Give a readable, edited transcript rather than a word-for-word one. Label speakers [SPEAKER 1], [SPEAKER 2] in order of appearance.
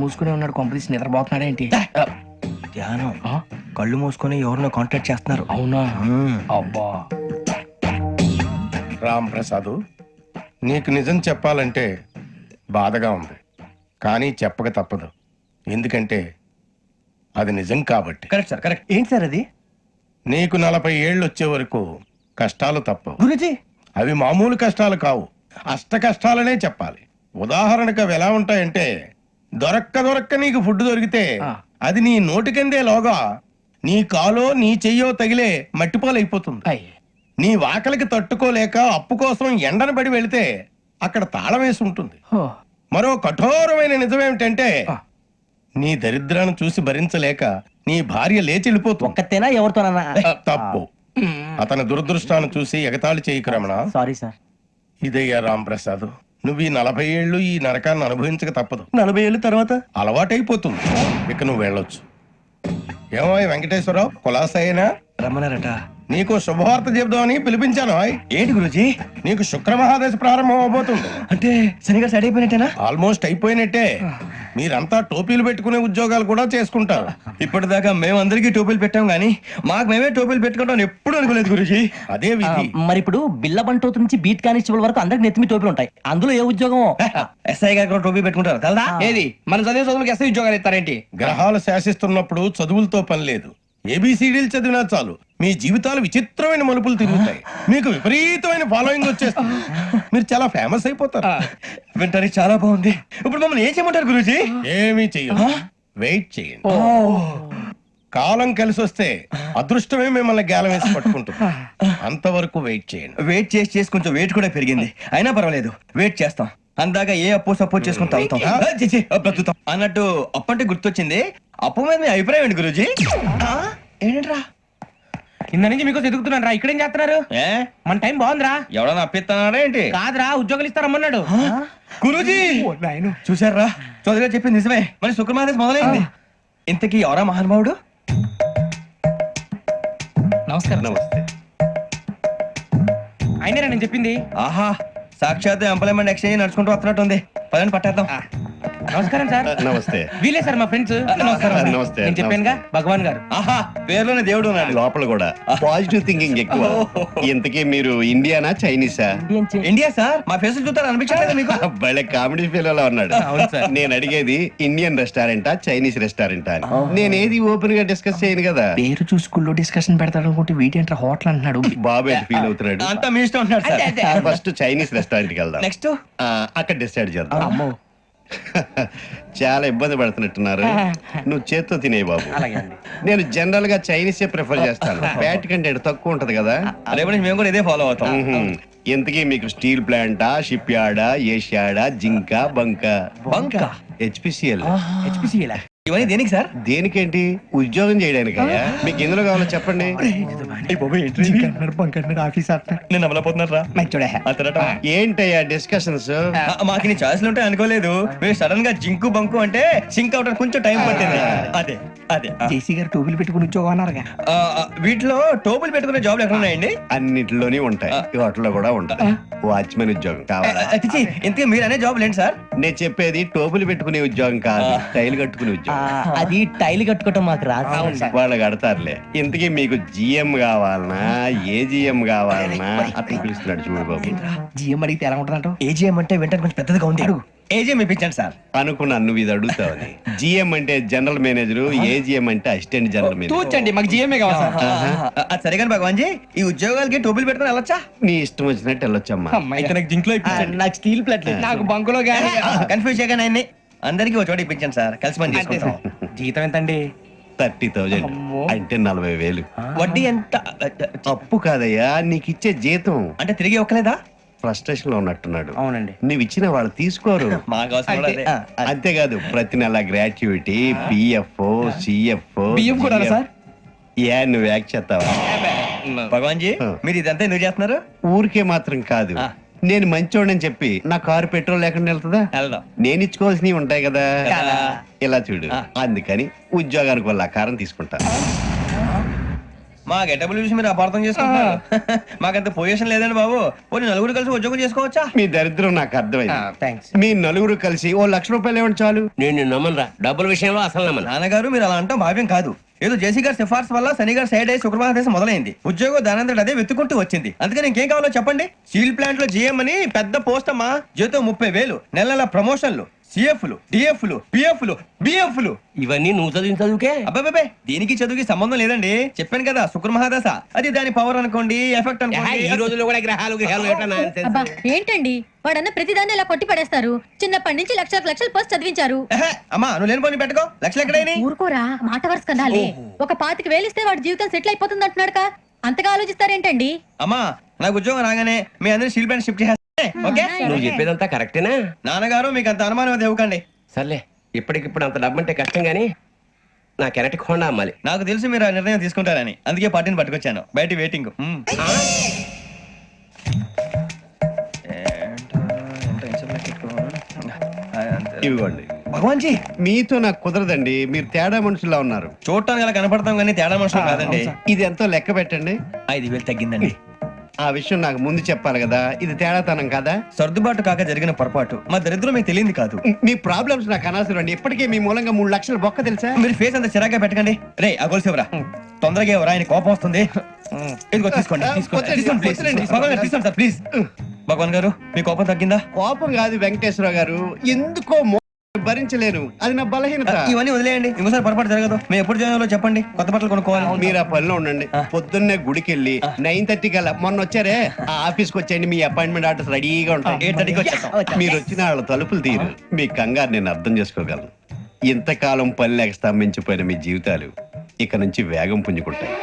[SPEAKER 1] మూసుకునే ఉన్నాడు, కొంపదీసి నిద్రపోతున్నాడు ఏంటి?
[SPEAKER 2] ధ్యానం. కళ్ళు మూసుకొని ఎవరినో కాంటాక్ట్ చేస్తున్నారు.
[SPEAKER 1] అవునా? అబ్బా.
[SPEAKER 3] రామ్ ప్రసాద్, నీకు నిజం చెప్పాలంటే బాధగా ఉంది, కానీ చెప్పక తప్పదు. ఎందుకంటే అది నిజం కాబట్టి.
[SPEAKER 2] Correct sir, correct. ఏంటి సార్ అది?
[SPEAKER 3] నీకు 40 ఏళ్ళు వచ్చే వరకు కష్టాలు తప్పవు.
[SPEAKER 2] గురుజీ,
[SPEAKER 3] అవి మామూలు కష్టాలు కావు, అష్ట కష్టాలనే చెప్పాలి. ఉదాహరణకు అవి ఎలా ఉంటాయంటే, దొరక్క నీకు ఫుడ్ దొరికితే అది నీ నోటికందే లోగా నీ కాలో నీ చెయ్యో తగిలే మట్టిపాలైపోతుంది. నీ వాకలికి తట్టుకోలేక అప్పు కోసం ఎండను పడి వెళితే అక్కడ తాళం వేసి ఉంటుంది. మరో కఠోరమైన నిజమేమిటంటే, నీ దరిద్రాన్ని చూసి భరించలేక నీ భార్య లేచి వెళ్ళిపోతుంది.
[SPEAKER 2] ఒక్కతేనా ఎవరితోనన్నా?
[SPEAKER 3] తప్పు. అతని దురదృష్టాన్ని చూసి ఎగతాళి చేయకు రమణ.
[SPEAKER 2] Sorry sir.
[SPEAKER 3] ఇదయ్యా రాంప్రసాద్, నువ్వు ఈ 40 ఏళ్ళు ఈ నరకాన్ని అనుభవించక తప్పదు.
[SPEAKER 2] 40 ఏళ్ళ తర్వాత
[SPEAKER 3] అలవాటైపోతుంది. ఇక నువ్వు వెళ్ళొచ్చు. ఏమో వెంకటేశ్వరరావు, కులాసైనా
[SPEAKER 2] రమ్మన్నారట.
[SPEAKER 3] నీకు శుభవార్త చెబుదామని పిలిపించాను.
[SPEAKER 2] ఏంటి గురుజీ?
[SPEAKER 3] నీకు శుక్రమహాదశ ప్రారంభం అవబోతుంది.
[SPEAKER 2] అంటే శనిగా సెట్ అయిపోయినట్టేనా?
[SPEAKER 3] ఆల్మోస్ట్ అయిపోయినట్టే. మీరంతా టోపీలు పెట్టుకునే ఉద్యోగాలు కూడా చేసుకుంటారు.
[SPEAKER 2] ఇప్పటిదాకా మేమందరికీ టోపీలు పెట్టాం గానీ మాకు మేమే టోపీలు పెట్టుకుంటాం ఎప్పుడు అనుకోలేదు గురుజీ.
[SPEAKER 3] అదే విధి.
[SPEAKER 4] మరి ఇప్పుడు బిల్ల బంటోతు నుంచి బీట్ కానిస్టేబుల్ వరకు అందరికి నెత్తిమి టోపీలు ఉంటాయి. అందులో ఏ ఉద్యోగం?
[SPEAKER 2] ఎస్ఐ గారు కూడా టోపీ పెట్టుకుంటారు కదా?
[SPEAKER 1] ఏది మన చదివే చదువులకు ఎస్ఐ ఉద్యోగాలు ఇస్తారేంటి?
[SPEAKER 3] గ్రహాలు శాసిస్తున్నప్పుడు చదువులతో పని లేదు. ఏబిసిడీలు చదివినా చాలు మీ జీవితాలు విచిత్రమైన మలుపులు తిరుగుతాయి. మీకు విపరీతమైన ఫాలోయింగ్ వచ్చేస్తుంది. మీరు చాలా ఫేమస్ అయిపోతారు.
[SPEAKER 2] వింటానికి చాలా బాగుంది. ఇప్పుడు మమ్మల్ని ఏం చేయమంటారు గురూజీ?
[SPEAKER 3] ఏమీ చెయ్యదు, వెయిట్ చేయండి. కాలం కలిసి వస్తే అదృష్టమే మిమ్మల్ని గేలం వేసి పట్టుకుంటుంది. అంతవరకు వెయిట్ చేయండి.
[SPEAKER 2] వెయిట్ చేసి కొంచెం వెయిట్ కూడా పెరిగింది. అయినా పర్వాలేదు, వెయిట్ చేస్తాం. అందాక ఏ అప్పు సపోర్ట్ చేసుకుని తాగుతాం. బ్రతుకుతాం అన్నట్టు అప్పు అంటే గుర్తొచ్చింది. అప్పు మీద మీ అభిప్రాయం ఏంటి గురూజీ? ఏంటరా
[SPEAKER 1] కింద నుంచి మీకు ఎదుగుతున్నాను రా. ఇక్కడేం చేస్తున్నారు? మన టైం బాగుందిరా.
[SPEAKER 2] ఎవడన్నా అప్పిస్తున్నారా ఏంటి?
[SPEAKER 1] కాదురా, ఉద్యోగాలు ఇస్తారమ్మన్నాడు
[SPEAKER 2] గురూజీ. చూసారా, చౌదరి గారు చెప్పింది నిజమే. మరి శుక్రమాదేశ్ మొదలైంది. ఇంతకీ ఎవరా మహానుభావుడు?
[SPEAKER 1] నమస్కారం.
[SPEAKER 3] నమస్తే.
[SPEAKER 1] అయినరా నేను చెప్పింది?
[SPEAKER 2] ఆహా, సాక్షాత్ ఎంప్లాయ్మెంట్ ఎక్స్చేంజ్ నడుచుకుంటూ వస్తున్నట్టు ఉంది. పదండి పట్టేద్దాం.
[SPEAKER 1] నమస్కారం సార్.
[SPEAKER 3] నమస్తే.
[SPEAKER 1] వీలే సార్ మా ఫ్రెండ్స్.
[SPEAKER 3] నమస్కారం. నమస్తే.
[SPEAKER 1] నేను చెప్పానుగా, భగవాన్ గారు.
[SPEAKER 2] ఆహా, పేర్లోనే దేవుడు ఉన్నాడు.
[SPEAKER 5] లోపల కూడా పాజిటివ్ థింకింగ్ ఎక్కువ. ఇంతకీ మీరు ఇండియానా చైనీసా?
[SPEAKER 2] India sir. మా ఫేస్ చూస్తారు అనిపించలేదు మీకు?
[SPEAKER 5] భలే కామెడీ ఫీల్ అలా ఉన్నాడు.
[SPEAKER 1] అవును సార్.
[SPEAKER 5] నేను అడిగేది ఇండియన్ రెస్టారెంటా చైనీస్ రెస్టారెంటా అని. నేనేది ఓపెన్ గా డిస్కస్ చేయను కదా.
[SPEAKER 1] పేరు చూసుకుల్లో డిస్కషన్ పెడతాడు అనుకుంటే వీటేంట్రా హోటల్ అంటున్నాడు.
[SPEAKER 5] బాబు ఎట్ ఫీల్ అవుతున్నాడు.
[SPEAKER 2] అంతా మీ ఇష్టం ఉంటున్నాడు సార్.
[SPEAKER 5] ఫస్ట్ చైనీస్ రెస్టారెంట్ కి వెళ్దాం.
[SPEAKER 2] నెక్స్ట్
[SPEAKER 5] అక్కడ డిసైడ్ చేద్దాం. చాలా ఇబ్బంది పడుతున్నట్టున్నారు. నువ్వు చేత్తో తినే బాబు. నేను జనరల్ గా చైనీస్ ప్రిఫర్ చేస్తాను. ఫ్యాట్ కంటెంట్ తక్కువ ఉంటది కదా.
[SPEAKER 2] రేపు నుంచి మేము కూడా ఇదే ఫాలో అవుతాం.
[SPEAKER 5] ఇంతకీ మీకు స్టీల్ ప్లాంటా, షిప్ యార్డా, ఏషియాడా, జింక, బంకా?
[SPEAKER 2] బంకా?
[SPEAKER 5] హెచ్పిసిఎల్.
[SPEAKER 1] హెచ్పిసిఎల్
[SPEAKER 2] ఇవన్నీ దేనికి సార్?
[SPEAKER 5] దేనికేంటి? ఉద్యోగం చేయడానికి. మీకు ఎందులో కావాలో చెప్పండి.
[SPEAKER 2] నేను అమలపోతున్నారా?
[SPEAKER 5] ఏంటయ్యా డిస్కషన్స్?
[SPEAKER 2] మాకు నీ ఛాయిస్లు ఉంటాయి అనుకోలేదు. మీరు సడన్ గా జింకు బంకు అంటే సింక్ అవడానికి కొంచెం టైం పట్టింది. అదే అదే
[SPEAKER 1] జేసీ గారు టోపీలు పెట్టుకుని ఉద్యోగం అన్నారుగా.
[SPEAKER 2] వీటిలో టోపులు పెట్టుకునే జాబ్లు ఎక్కడ ఉన్నాయండి?
[SPEAKER 5] అన్నిటిలోనే ఉంటాయి. వాటిలో కూడా ఉంటాయి. వాచ్మెన్ ఉద్యోగం కావాలా?
[SPEAKER 2] ఇంతకీ మీరు అనే జాబ్ ఏంటి సార్?
[SPEAKER 5] నేను చెప్పేది టోపులు పెట్టుకునే ఉద్యోగం కాదు, టైల్ కట్టుకునే ఉద్యోగం.
[SPEAKER 4] అది టైల్ కట్టుకోవటం మాకు రాదు.
[SPEAKER 5] వాళ్ళు కడతారులే. ఇంతకీ మీకు జిఎం కావాలనా, ఏ జిఎం కావాలనా? అట్లా పిలుస్తున్నాడు చూడు బాబు.
[SPEAKER 1] జిఎం అడిగితే ఎలా ఉంటుందంట?
[SPEAKER 2] ఏజీఎం అంటే వెంటనే కొంచెం పెద్దదిగా ఉంది. ఏజీఎం ఇప్పించండి సార్.
[SPEAKER 5] అనుకున్నాను నువ్వు ఇది అడుగుతావని. జిఎం అంటే జనరల్ మేనేజర్, ఏజిఎం అంటే అసిస్టెంట్ జనరల్ మేనేజర్.
[SPEAKER 1] తూచండి, మాకు జిఎంఏ కావాలి సార్.
[SPEAKER 2] అది సరే కానీ భగవాన్ జీ, ఈ ఉద్యోగాలకి టోపులు పెట్టుకుని వెళ్ళొచ్చా?
[SPEAKER 5] నీ ఇష్టం వచ్చినట్టు వెళ్ళొచ్చమ్మా.
[SPEAKER 2] అయితే నాకు జింక్ లో
[SPEAKER 4] నాకు స్టీల్ ప్లేట్
[SPEAKER 1] నాకు బంకులో గానీ.
[SPEAKER 2] కన్ఫ్యూజ్ చేయగానే ఆయన్ని అందరికీ ఒక చోట ఇప్పించండి సార్. కలిసి పని చేసుకుంటాం.
[SPEAKER 1] జీతం ఎంతండి?
[SPEAKER 5] 30,000 అంటే 40,000.
[SPEAKER 2] వడ్డీ ఎంత?
[SPEAKER 5] అప్పు కాదయ్యా, నీకు ఇచ్చే జీతం.
[SPEAKER 2] అంటే తిరిగి ఒక్కలేదా?
[SPEAKER 5] ఫ్రస్ట్రేషన్ లో ఉన్నట్టున్నాడు.
[SPEAKER 1] అవునండి.
[SPEAKER 5] నువ్వు ఇచ్చిన వాళ్ళు తీసుకోరు.
[SPEAKER 2] మాకు అవసరం కూడా అదే.
[SPEAKER 5] అంతేకాదు ప్రతి నెల గ్రాట్యుటీ, పిఎఫ్, సిఎఫ్.
[SPEAKER 1] బియ్యం కూడా సార్?
[SPEAKER 5] ఏ నువ్వు యాక్ట్ చేస్తావా?
[SPEAKER 2] భగవాన్ జీ, మీరు ఇదంతా ఎందుకు చేస్తున్నారు?
[SPEAKER 5] ఊరికే మాత్రం కాదు. నేను మంచోడని చెప్పి నా కారు పెట్రోల్ లేకుండా వెళ్తుందా?
[SPEAKER 2] వెళ్దాం.
[SPEAKER 5] నేను ఇచ్చుకోవాల్సినవి ఉంటాయి కదా. ఇలా చూడు.
[SPEAKER 2] ఆ.
[SPEAKER 5] అందుకని ఉద్యోగానికి వాళ్ళ ఆకారం తీసుకుంటా.
[SPEAKER 2] మా గెటబుల్ చూసి మీరు అపార్థం చేసుకుంటున్నారు మాకంత పొజిషన్ లేదండి బాబు పోనీ నలుగురు కలిసి ఉద్యోగం చేసుకోవచ్చా
[SPEAKER 5] మీ దరిద్రం నాకు అర్థమైంది
[SPEAKER 1] థ్యాంక్స్.
[SPEAKER 5] మీ నలుగురు కలిసి ఓ ₹1,00,000 ఇవ్వండి చాలు.
[SPEAKER 6] నేను నమ్మనరా డబ్బుల విషయంలో అసలు నమ్మను.
[SPEAKER 2] నాన్నగారు మీరు అలా అంటాం భావ్యం కాదు. ఏదో జేసీ గారి సిఫార్సు వల్ల శని గారు సైడ్ అయ్యి శుక్రవారం దేశం మొదలైంది. ఉద్యోగం దానంతటి అదే వెతుకుంటూ వచ్చింది. అందుకని ఇంకేం కావాలో చెప్పండి. స్టీల్ ప్లాంట్ లో జీఎం అని పెద్ద పోస్ట్ అమ్మా, జీతం 30,000, నెల నెల ప్రమోషన్లు, సిఎఫ్లు, డిఎఫ్లు, పిఎఫ్లు, బిఎఫ్లు.
[SPEAKER 6] ఇవన్నీ నువ్వు చదివిన చదువుకే.
[SPEAKER 2] అబ్బాబే దీనికి చదువుకి సంబంధం లేదండి. చెప్పాను కదా శుక్ర మహాదశ, అది దాని పవర్ అనుకోండి, ఎఫెక్ట్
[SPEAKER 6] ఈ
[SPEAKER 2] అనుకోండి.
[SPEAKER 6] రోజుల్లో కూడా గ్రహాలు ఎట్లా nonsense?
[SPEAKER 7] అబ్బా ఏంటండి వాడన్న ప్రతిదాన్ని ఇలా కొట్టి పడేస్తారు. చిన్నప్పటి నుంచి లక్షల పోస్ట్ చదివించారు.
[SPEAKER 2] ఎహె, అమ్మా నువ్వు లేని పోనీ పెట్టుకో. లక్షలు ఎక్కడైనా
[SPEAKER 7] ఊరుకోరా, మాట వరుస కదాలే. ఒక 25,000 ఇస్తే వాడి జీవితం సెటిల్ అయిపోతుంది అంటున్నాడుగా, అంతగా ఆలోచిస్తారేంటండి?
[SPEAKER 2] అమ్మా నాకు ఉద్యోగం రాగానే మీ అందరూ స్టీల్ ప్లాంట్ షిఫ్ట్ చేస్తే ఓకే.
[SPEAKER 6] నువ్వు చెప్పేదంతా కరెక్టేనా?
[SPEAKER 2] నాన్నగారు మీకు అంత అనుమానం అది ఇవ్వకండి.
[SPEAKER 6] సర్లే, ఇప్పటికిప్పుడు అంత డబ్బు అంటే కష్టం గానీ నా కెనటిక్ హోండా అమ్మాలి.
[SPEAKER 2] నాకు తెలుసు మీరు ఆ నిర్ణయం తీసుకుంటారని, అందుకే పార్టీని పట్టుకొచ్చాను. బయట వెయిటింగ్.
[SPEAKER 5] ఇవ్వండి.
[SPEAKER 2] భగవాన్ జీ
[SPEAKER 5] మీతో నాకు కుదరదండి, మీరు తేడా మనుషుల్లా ఉన్నారు.
[SPEAKER 2] చూడటానికి అలా కనపడతాం కానీ తేడా మనుషులు కాదండి.
[SPEAKER 5] ఇది ఎంతో లెక్క పెట్టండి.
[SPEAKER 2] 5,000 తగ్గిందండి.
[SPEAKER 5] ఆ విషయం నాకు ముందు చెప్పాలి కదా, ఇది తేడాతనం కదా.
[SPEAKER 2] సర్దుబాటు కాక జరిగిన పొరపాటు. మా దరిద్రం మీకు తెలియంది కాదు.
[SPEAKER 5] మీ ప్రాబ్లమ్స్ నాకు అనవసరం అండి. ఇప్పటికే మీ మూలంగా 3 లక్షలు బొక్క తెలుసా.
[SPEAKER 2] మీరు ఫేస్ అంత చిరాగ్గా పెట్టకండి. రే ఆ గొలుసు ఎవరా? తొందరగా ఎవరా, ఆయన కోపం వస్తుంది. ఇదిగో తీసుకోండి. తీసుకోండి ప్లీజ్. భగవాన్ గారు తీసుకోండి సార్ ప్లీజ్. భగవాన్ గారు మీ కోపం తగ్గిందా?
[SPEAKER 5] కోపం కాదు వెంకటేశ్వర గారు, ఎందుకో భరించలేను, అది నా బలహీనత.
[SPEAKER 2] ఇవన్నీ వదిలేయండి, ఇంకోసారి పొరపాటు జరగదు. మేము ఎప్పుడు జాయిన్ చెప్పండి, కొత్త బట్టలు కొనుక్కోవాలి.
[SPEAKER 5] మీరు ఆ పనిలో ఉండండి. పొద్దున్నే గుడికి వెళ్ళి 9:30 కల్లా, మొన్న వచ్చారే ఆ ఆఫీస్కి వచ్చేయండి. మీ అపాయింట్మెంట్ ఆర్డర్స్ రెడీగా ఉంటాయి.
[SPEAKER 2] 8:30కి వచ్చేస్తాం.
[SPEAKER 5] మీరు వచ్చిన వాళ్ళ తలుపులు తీరు. మీ కంగారు నేను అర్థం చేసుకోగలను. ఇంతకాలం పని లేక స్తంభించిపోయిన మీ జీవితాలు ఇక నుంచి వేగం పుంజుకుంటాయి.